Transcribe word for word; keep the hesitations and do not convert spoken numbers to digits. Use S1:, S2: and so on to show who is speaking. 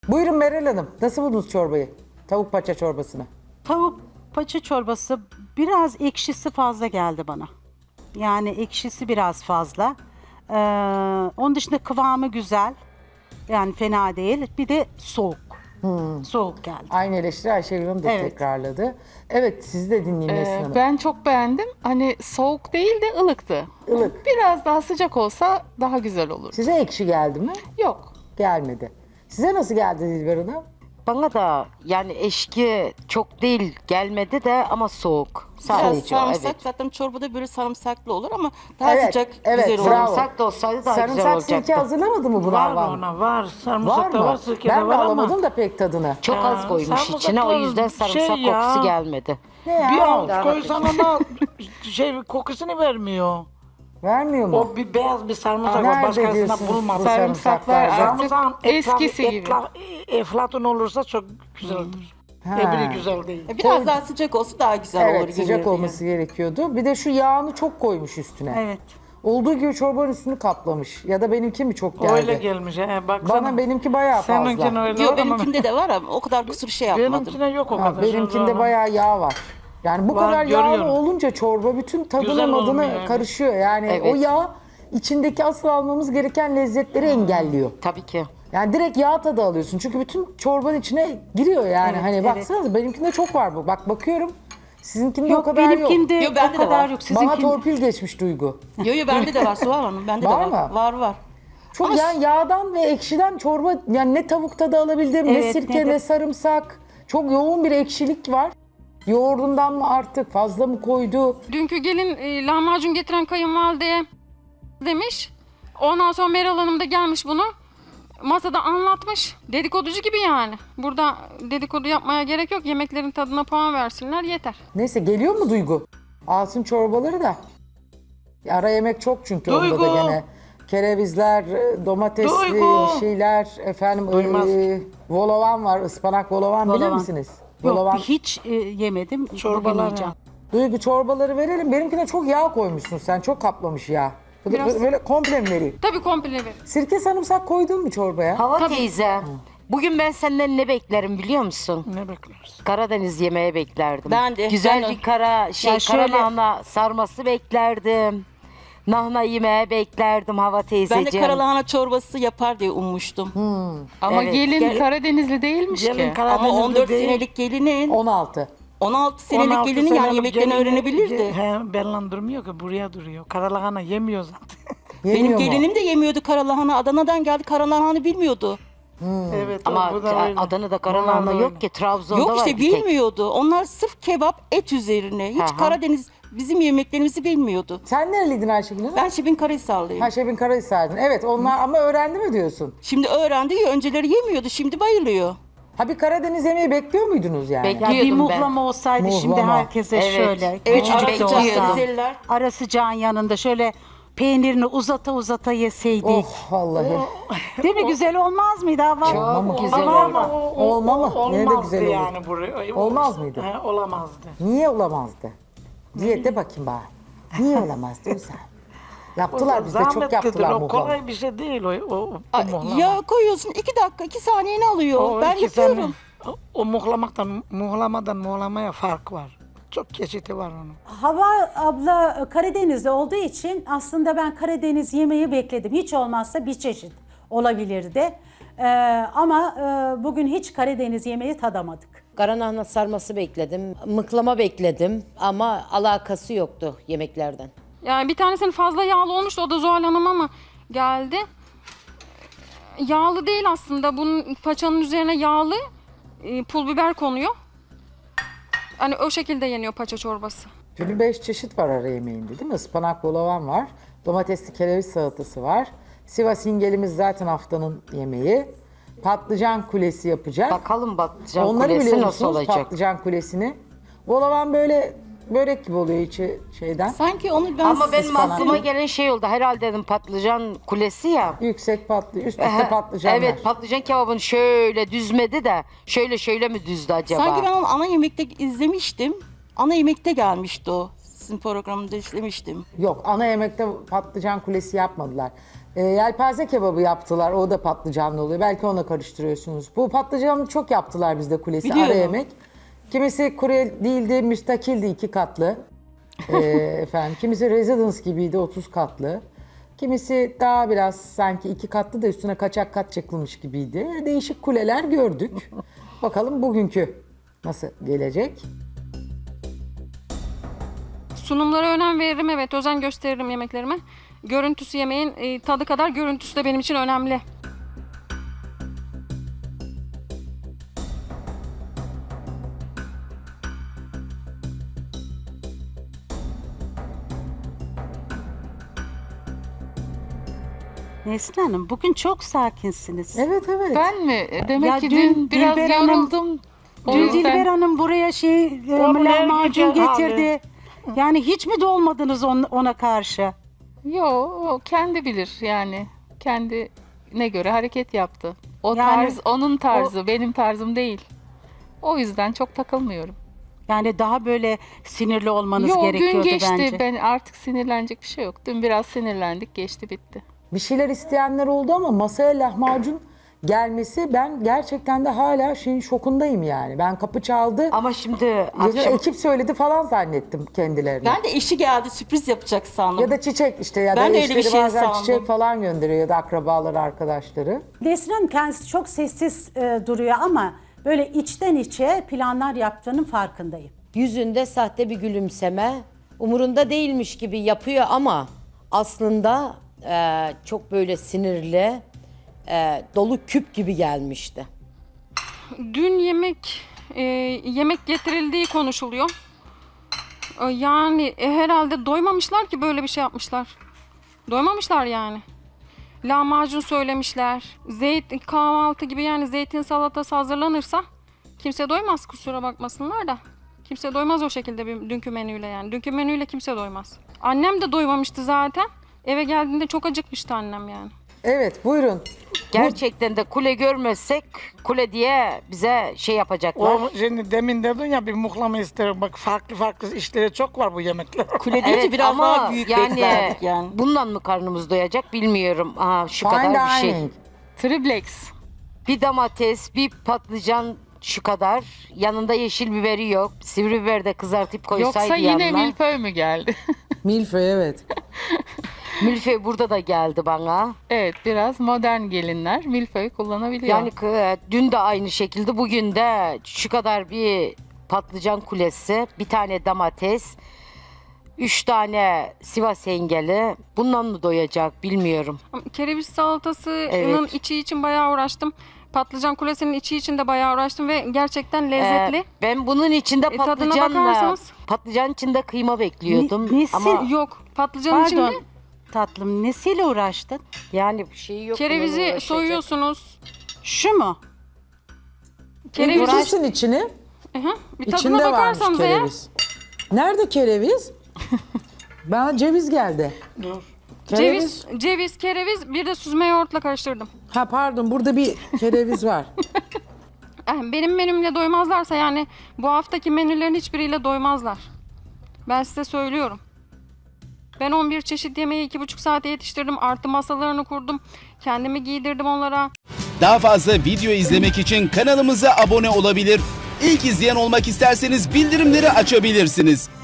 S1: Buyurun Meral Hanım. Nasıl buldunuz çorbayı? Tavuk paça çorbasını.
S2: Tavuk paça çorbası biraz ekşisi fazla geldi bana. Yani ekşisi biraz fazla. Ee, onun dışında kıvamı güzel. Yani fena değil. Bir de soğuk. Soğuk geldi.
S1: Aynı eleştiri Ayşegül Hanım da
S2: Evet.
S1: tekrarladı. Evet, sizi de dinleyeyim Nesrin
S3: Ee,
S1: Hanım.
S3: ben çok beğendim. Hani soğuk değil de ılıktı.
S1: Ilık.
S3: Biraz daha sıcak olsa daha güzel olur.
S1: Size ekşi geldi mi?
S3: Yok.
S1: Gelmedi. Size nasıl geldi Dilber Hanım?
S4: Bana da yani eşki çok değil gelmedi de ama soğuk.
S5: Biraz
S4: Sadece o,
S5: sarımsak
S4: evet.
S5: zaten çorbada böyle sarımsaklı olur ama daha
S1: Evet,
S5: sıcak
S1: evet,
S5: güzel olur.
S1: bravo.
S4: Sarımsak da olsaydı daha güzel
S1: Sarımsak
S4: olacaktı.
S1: sirke hazırlamadı mı bu
S6: Var
S1: Var
S6: ona var.
S1: Var
S6: Sarımsak da var,
S1: mı?
S6: sirke
S1: Ben
S6: de
S1: de
S6: var ama.
S1: alamadım da pek tadını.
S4: Çok
S6: Ya,
S4: az koymuş
S6: sarımsaklar
S4: içine o yüzden sarımsak
S6: şey ya.
S4: kokusu gelmedi.
S1: Ne ya?
S6: Bir avuç koysan ama şey kokusunu vermiyor.
S1: Vermiyor mu?
S6: O bir beyaz bir sarımsak
S1: Aa,
S6: var.
S1: nerede
S6: Başkasına
S1: diyorsunuz bu
S6: bulmadım.
S3: Sarımsaklar
S1: sarımsaklar?
S3: artık
S6: Sarımsağın
S3: eskisi
S6: etrafı
S3: gibi.
S6: etla- eflatun olursa çok güzel olur.
S1: Ha.
S6: Öbürü güzel değil.
S5: E, Biraz daha sıcak olsa daha güzel olur.
S1: Evet, sıcak
S5: yenirdi
S1: olması gerekiyordu. Bir de şu yağını çok koymuş üstüne.
S2: Evet.
S1: Olduğu gibi çorbanın üstünü kaplamış. Ya da benimki mi çok geldi?
S6: Öyle gelmiş. He, baksana.
S1: Bana benimki bayağı
S6: Seninkine
S1: fazla.
S6: öyle
S5: Yok
S6: var ama
S5: benimkinde de var ama o kadar kusur şey yapmadım.
S6: benimkine yok o
S1: Ha,
S6: kadar.
S1: benimkinde
S6: Şöyle
S1: bayağı yağ var. Yani bu
S6: Var,
S1: kadar yağlı
S6: görüyorum.
S1: olunca çorba bütün tadına
S6: Güzel
S1: madına
S6: olmuyor, evet.
S1: karışıyor. Yani
S4: Evet.
S1: o yağ içindeki asıl almamız gereken lezzetleri engelliyor.
S4: Tabii ki.
S1: Yani direkt yağ tadı alıyorsun. Çünkü bütün çorbanın içine giriyor yani.
S2: Evet,
S1: hani
S2: evet.
S1: baksanıza benimkinde çok var bu. Bak bakıyorum. Sizinkinde o
S2: Yok
S1: kadar yok.
S2: benimkinde
S5: Yok, bende
S2: o
S5: de
S2: kadar
S5: var.
S2: yok.
S1: Bana
S2: Sizinkinde.
S1: torpil geçmiş Duygu.
S5: Yo yo bende de var Suhan Hanım. Bende
S1: Var
S5: de var.
S1: mı?
S5: Var var.
S1: Çok
S5: Ama
S1: yani yağdan ve ekşiden çorba yani ne tavuk tadı alabildim, ne
S2: Evet,
S1: sirke,
S2: ne
S1: ne,
S2: de-
S1: sarımsak. Çok yoğun bir ekşilik var. Yoğurdundan mı artık fazla mı koydu?
S7: Dünkü gelin e, lahmacun getiren kayınvalideye demiş. Ondan sonra Meral Hanım da gelmiş bunu. Masada anlatmış. Dedikoducu gibi yani. Burada dedikodu yapmaya gerek yok. Yemeklerin tadına puan versinler yeter.
S1: Neyse geliyor mu Duygu? Alsın çorbaları da. Ara yemek çok çünkü onda
S6: Duygu.
S1: da gene. Kerevizler, e, domatesli
S6: Duygu.
S1: şeyler, efendim
S6: Duymaz.
S1: e, volovan var, ıspanak volovan, bilir
S2: Volovan.
S1: misiniz?
S2: Yok
S1: Volovan.
S2: hiç e, yemedim. Bugün
S6: Çorbalar
S2: yiyeceğim.
S1: Duygu çorbaları verelim. Benimkine çok yağ koymuşsun sen, çok kaplamış yağ. Bu da
S7: Biraz.
S1: böyle komple mi vereyim?
S7: Tabii komple verin.
S1: Sirke sarımsak koydun mu çorbaya?
S4: Hava teyze. Bugün ben senden ne beklerim biliyor musun?
S6: Ne bekliyoruz?
S4: Karadeniz yemeği beklerdim.
S5: Ben de,
S4: Güzel
S5: ben de.
S4: bir kara şey
S2: Ya şöyle-
S4: kara lahana sarması beklerdim. Nahna yemeği beklerdim hava
S5: Ben de
S4: teyzeciğim.
S5: karalahana çorbası yapar diye ummuştum.
S3: Ama
S4: Evet,
S3: gelin
S5: gel-
S3: Karadenizli değilmiş
S6: Gelin
S3: ki.
S6: Karadenizli
S5: Ama on dört
S6: değil.
S5: senelik gelinin,
S1: on altı.
S5: on altı senelik
S6: on altı
S5: gelinin yani
S6: senelik
S5: yemeklerini
S6: gelini-
S5: öğrenebilirdi.
S6: He, benle durmuyor ki buraya duruyor. Karalahana yemiyor zaten.
S1: Yeniyor
S5: Benim
S1: mu?
S5: gelinim de yemiyordu karalahana. Adana'dan geldi karalahanı bilmiyordu.
S6: Evet.
S4: Ama
S6: bu da öyle.
S4: Adana'da
S6: Bunlar
S4: karalahana
S6: da öyle.
S4: yok ki. Trabzon'da
S5: Yok
S4: var
S5: işte
S4: bir tek.
S5: bilmiyordu. Onlar sırf kebap et üzerine. Hiç
S4: Aha.
S5: Karadeniz bizim yemeklerimizi bilmiyordu.
S1: Sen nereliydin Ayşegül Hanım?
S5: Ben Şebin Karahisarlıyım.
S1: Ha Şebin Karahisar'dın. Evet onlar ama öğrendi mi diyorsun?
S5: Şimdi öğrendi ya önceleri yemiyordu. Şimdi bayılıyor.
S1: Ha bir Karadeniz yemeği bekliyor muydunuz yani?
S4: Bek-
S2: Ya bir
S4: Diyordum ben.
S2: muhlama olsaydı şimdi
S1: Muhlama.
S2: herkese
S4: Evet.
S2: şöyle.
S5: Evet
S2: küçücük
S5: ara
S2: de
S5: sıcak
S2: olsa,
S5: Rizeliler.
S2: ara sıcağın yanında şöyle peynirini uzata uzata yeseydik.
S1: Oh vallahi.
S2: Değil mi? Güzel olmaz mıydı? Hava?
S4: Çok
S1: Ama-
S4: güzel
S6: Ama,
S4: oldu.
S6: ama o, o,
S1: Olma mı?
S6: o-
S1: Yine de
S6: olmazdı
S1: güzel olur.
S6: yani buraya.
S1: Olmaz mıydı?
S6: He, olamazdı.
S1: Niye olamazdı? Diye de bakayım bana. Niye olamazdı Ümsel? Yaptılar bizde çok
S6: Zahmetlidir,
S1: yaptılar
S6: o
S1: muhlama.
S6: kolay bir şey değil o, o, o
S5: Ay,
S6: muhlama.
S5: ya koyuyorsun iki dakika iki saniyeni alıyor.
S6: O
S5: ben
S6: iki
S5: yapıyorum.
S6: sene- O, o muhlamaktan, muhlamadan muhlamaya fark var. Çok çeşidi var onun.
S8: Hava abla Karadeniz'de olduğu için aslında ben Karadeniz yemeği bekledim. Hiç olmazsa bir çeşit olabilirdi. Ee, ama e, bugün hiç Karadeniz yemeği tadamadık.
S9: Karanahna sarması bekledim, mıklama bekledim ama alakası yoktu yemeklerden.
S7: Yani bir tanesinin fazla yağlı olmuştu. O da Zuhal Hanım ama geldi. Yağlı değil aslında. Bunun paçanın üzerine yağlı e, pul biber konuyor. Hani o şekilde yeniyor paça çorbası.
S1: Şimdi beş çeşit var ara yemeğinde değil mi? Ispanak bolavan var. Domatesli kereviz salatası var. Sivas ingelimiz zaten haftanın yemeği. Patlıcan kulesi yapacak.
S4: Bakalım patlıcan
S1: Onları
S4: kulesi
S1: biliyor
S4: nasıl
S1: musunuz
S4: olacak?
S1: patlıcan kulesini? Bolavan böyle börek gibi oluyor içi şeyden.
S5: Sanki onu ben
S4: Ama benim
S1: ıspanak.
S4: aklıma gelen şey oldu. Herhalde dedim patlıcan kulesi ya.
S1: Yüksek patlı, üst üste
S4: Ehe,
S1: patlıcanlar.
S4: Evet patlıcan kebabını şöyle düzmedi de şöyle şöyle mi düzdü acaba?
S5: sanki ben onu ana yemekte izlemiştim. Ana yemekte gelmişti o. Sizin programında izlemiştim.
S1: Yok ana yemekte patlıcan kulesi yapmadılar. E, yelpaze kebabı yaptılar. O da patlıcanlı oluyor. Belki onunla karıştırıyorsunuz. Bu patlıcanlı çok yaptılar bizde kulesi.
S5: Biliyorum.
S1: Ara yemek. Kimisi kurye değildi, müstakildi iki katlı. E, efendim, kimisi residence gibiydi otuz katlı. Kimisi daha biraz sanki iki katlı da üstüne kaçak kat çekilmiş gibiydi. Değişik kuleler gördük. Bakalım bugünkü nasıl gelecek?
S7: Sunumlara önem veririm, evet, özen gösteririm yemeklerime. Görüntüsü yemeğin e, tadı kadar görüntüsü de benim için önemli.
S2: Neslihan Hanım bugün çok sakinsiniz.
S1: Evet evet.
S3: Ben mi? E, Demek
S2: Ya
S3: ki
S2: dün
S3: dün, biraz
S2: Dilber Hanım-
S3: yoruldum. O
S2: Dün
S3: yüzden
S2: Dilber Hanım buraya şey e, lahmacun
S5: güzel abi.
S2: getirdi. Yani hiç mi dolmadınız on- ona karşı?
S3: yo o kendi bilir yani. Kendine göre hareket yaptı. O
S2: Yani
S3: tarz onun tarzı, benim tarzım değil. O yüzden çok takılmıyorum.
S2: Yani daha böyle sinirli olmanız
S3: Yo,
S2: gerekiyordu
S3: gün geçti.
S2: bence.
S3: Ben artık sinirlenecek bir şey yok. Dün biraz sinirlendik, geçti bitti.
S1: Bir şeyler isteyenler oldu ama masaya lahmacun gelmesi, ben gerçekten de hala şeyin şokundayım yani. Ben kapı çaldı.
S4: Ama şimdi
S1: Ya
S4: akşam
S1: ekip söyledi falan zannettim kendilerine.
S5: Ben de eşi geldi sürpriz yapacak sandım.
S1: Ya da çiçek işte ya da
S5: Ben de öyle bir
S1: eşleri
S5: şey
S1: bazen
S5: sandım.
S1: çiçek falan gönderiyor ya da akrabaları, arkadaşları.
S8: Nesrin Hanım kendisi çok sessiz e, duruyor ama böyle içten içe planlar yaptığının farkındayım.
S9: Yüzünde sahte bir gülümseme, umurunda değilmiş gibi yapıyor ama aslında e, çok böyle sinirli, e, dolu küp gibi gelmişti.
S7: Dün yemek e, yemek getirildiği konuşuluyor. E, yani e, herhalde doymamışlar ki böyle bir şey yapmışlar. Doymamışlar yani. Lahmacun söylemişler. Zeytin kahvaltı gibi, yani zeytin salatası hazırlanırsa kimse doymaz, kusura bakmasınlar da. Kimse doymaz o şekilde bir dünkü menüyle yani. Dünkü menüyle kimse doymaz. Annem de doymamıştı zaten. Eve geldiğinde çok acıkmıştı annem yani.
S1: Evet buyurun.
S4: gerçekten de kule görmezsek kule diye bize şey yapacaklar.
S6: O şimdi demin dedin ya bir muhlama isterim. Bak farklı farklı işleri çok var bu yemekler.
S5: Kule deyince
S4: Evet,
S5: biraz
S4: ama
S5: daha büyük
S4: yani,
S5: beklerdik yani.
S4: bundan mı karnımız doyacak bilmiyorum. Aha, şu
S1: Fine
S4: kadar bir şey.
S1: dining.
S3: Triplex.
S4: Bir domates, bir patlıcan şu kadar. Yanında yeşil biberi yok. Sivri biber de kızartıp koysaydı
S3: Yoksa yine
S4: yanına.
S3: milföy mü geldi?
S1: Milföy evet.
S4: Milföy burada da geldi bana.
S3: Evet, biraz modern gelinler milföy kullanabiliyor.
S4: Yani kı- dün de aynı şekilde, bugün de şu kadar bir patlıcan kulesi, bir tane domates, üç tane Sivas hengeli. Bundan mı doyacak bilmiyorum.
S7: Kereviz salatasının
S4: Evet.
S7: içi için bayağı uğraştım. Patlıcan kulesinin içi için de bayağı uğraştım ve gerçekten lezzetli.
S4: Ee, ben bunun içinde
S7: E, tadına
S4: patlıcanla,
S7: bakarsanız-
S4: patlıcan içinde kıyma bekliyordum.
S2: Ne- nesi-
S4: Ama
S7: Yok, patlıcanın
S2: Pardon
S7: içinde
S2: tatlım, nesiyle uğraştın?
S4: yani bir şey yok. bununla
S7: kerevizi
S4: uğraşacak.
S7: soyuyorsunuz.
S2: Şu mu?
S7: Kereviz,
S1: Uğraşsın içini.
S7: Hı, bir tadına
S1: İçinde varmış
S7: bakarsanız eğer.
S1: kereviz. Nerede kereviz? Bana ceviz geldi.
S6: Dur.
S1: Kereviz.
S7: Ceviz, ceviz, kereviz, bir de süzme yoğurtla karıştırdım.
S1: Ha pardon, burada bir kereviz var.
S7: Eh, Benim menümle doymazlarsa yani bu haftaki menülerin hiçbiriyle doymazlar. Ben size söylüyorum. Ben on bir çeşit yemeği iki buçuk saate yetiştirdim. Artı masalarını kurdum. Kendimi giydirdim onlara.
S10: Daha fazla video izlemek için kanalımıza abone olabilir. İlk izleyen olmak isterseniz bildirimleri açabilirsiniz.